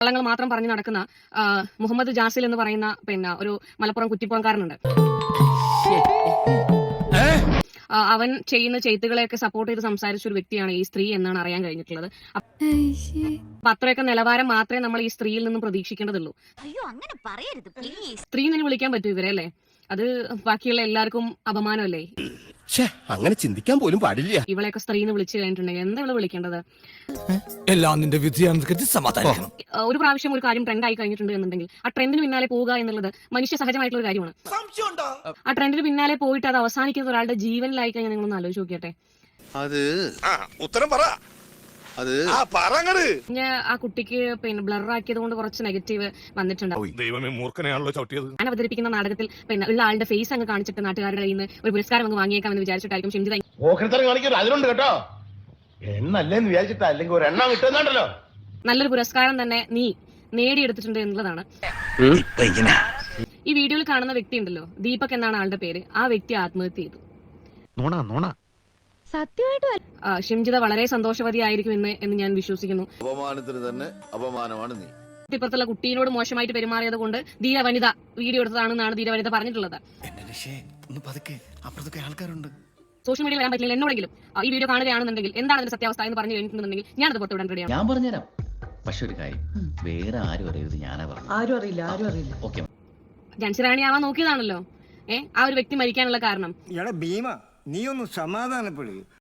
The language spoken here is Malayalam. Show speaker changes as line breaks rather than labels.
കള്ളങ്ങൾ മാത്രം പറഞ്ഞു നടക്കുന്ന മുഹമ്മദ് ജാസിൽ എന്ന് പറയുന്ന പിന്നെ ഒരു മലപ്പുറം കുറ്റിപ്പുറംകാരനുണ്ട്. അവൻ ചെയ്യുന്ന ചെയ്ത്തുകളെയൊക്കെ സപ്പോർട്ട് ചെയ്ത് സംസാരിച്ച ഒരു വ്യക്തിയാണ് ഈ സ്ത്രീ എന്നാണ് അറിയാൻ കഴിഞ്ഞിട്ടുള്ളത്. അപ്പൊ അത്രയൊക്കെ നിലവാരം മാത്രമേ നമ്മൾ ഈ സ്ത്രീയിൽ നിന്നും പ്രതീക്ഷിക്കേണ്ടതുള്ളൂ. സ്ത്രീ എന്ന് വിളിക്കാൻ പറ്റൂ ഇവരെ അല്ലേ? അത് ബാക്കിയുള്ള എല്ലാവർക്കും അപമാനമല്ലേ?
അങ്ങനെ ചിന്തിക്കാൻ പോലും പാടില്ല.
ഇവളെയൊക്കെ സ്ത്രീ എന്ന് വിളിച്ചു കഴിഞ്ഞിട്ടുണ്ടെങ്കിൽ എന്താ ഇവള് വിളിക്കേണ്ടത്? ഒരു പ്രാവശ്യം ഒരു കാര്യം ട്രെൻഡ് ആയി കഴിഞ്ഞിട്ടുണ്ട് എന്നുണ്ടെങ്കിൽ ആ ട്രെൻഡിന് പിന്നാലെ പോവുക എന്നുള്ളത് മനുഷ്യ സഹജമായിട്ടുള്ള ഒരു കാര്യമാണ്. ആ ട്രെൻഡിന് പിന്നാലെ പോയിട്ട് അത് അവസാനിക്കുന്ന ഒരാളുടെ ജീവനിലായി കഴിഞ്ഞാൽ നിങ്ങളൊന്ന് ആലോചിച്ച് നോക്കിയട്ടെ. ആ കുട്ടിക്ക് പിന്നെ ബ്ലർ ആക്കിയത് കൊണ്ട് കുറച്ച് നെഗറ്റീവ് വന്നിട്ടുണ്ട്. ഞാൻ അവതരിപ്പിക്കുന്ന നാടകത്തിൽ പിന്നെ ഉള്ള ആളുടെ ഫേസ് അങ്ങ് കാണിച്ചിട്ട് നാട്ടുകാരുടെ കയ്യിൽ നിന്ന് ഒരു പുരസ്കാരം അങ്ങ് വാങ്ങിയേക്കാമെന്ന് വിചാരിച്ചിട്ടായിരിക്കും ഷിംജിത നല്ലൊരു പുരസ്കാരം തന്നെ നീ നേടിയെടുത്തിട്ടുണ്ട് എന്നുള്ളതാണ്. ഈ വീഡിയോയിൽ കാണുന്ന വ്യക്തി ഉണ്ടല്ലോ, ദീപക് എന്നാണ് ആളുടെ പേര്. ആ വ്യക്തി ആത്മഹത്യ ചെയ്തു. ഷിംജിത വളരെ സന്തോഷവതിയായിരിക്കും എന്ന് ഞാൻ വിശ്വസിക്കുന്നു.
അപമാനത്തിന് തന്നെ അപമാനമാണ് നീ.
ഇപ്പുറത്തുള്ള കുട്ടീനോട് മോശമായിട്ട് പെരുമാറിയത് കൊണ്ട് ധീര വനിത വീഡിയോ എടുത്തതാണെന്നാണ് ധീര വനിത പറഞ്ഞിട്ടുള്ളത്. സോഷ്യൽ മീഡിയയിൽ വരാൻ പറ്റില്ല എന്നോടെങ്കിലും ഈ വീഡിയോ കാണുകയാണെന്നുണ്ടെങ്കിൽ എന്താണ് അതിന്റെ സത്യാവസ്ഥ എന്ന് പറഞ്ഞു കഴിഞ്ഞിട്ടുണ്ടെങ്കിൽ ഞാനത് പുറത്തുവിടാൻ റെഡിയാണ്.
ഞാൻ പറഞ്ഞുതരാം. പക്ഷെ ഒരു കാര്യം, വേറെ ആരും അറിയരുത്. ഞാനാ പറഞ്ഞു. ആരും അറിയില്ല. ഓക്കെ.
ജൻസിറാണി ആവാൻ നോക്കിയതാണല്ലോ. ആ ഒരു വ്യക്തി മരിക്കാനുള്ള കാരണം
ഭീമ, നീ ഒന്ന് സമാധാനപ്പെടുക.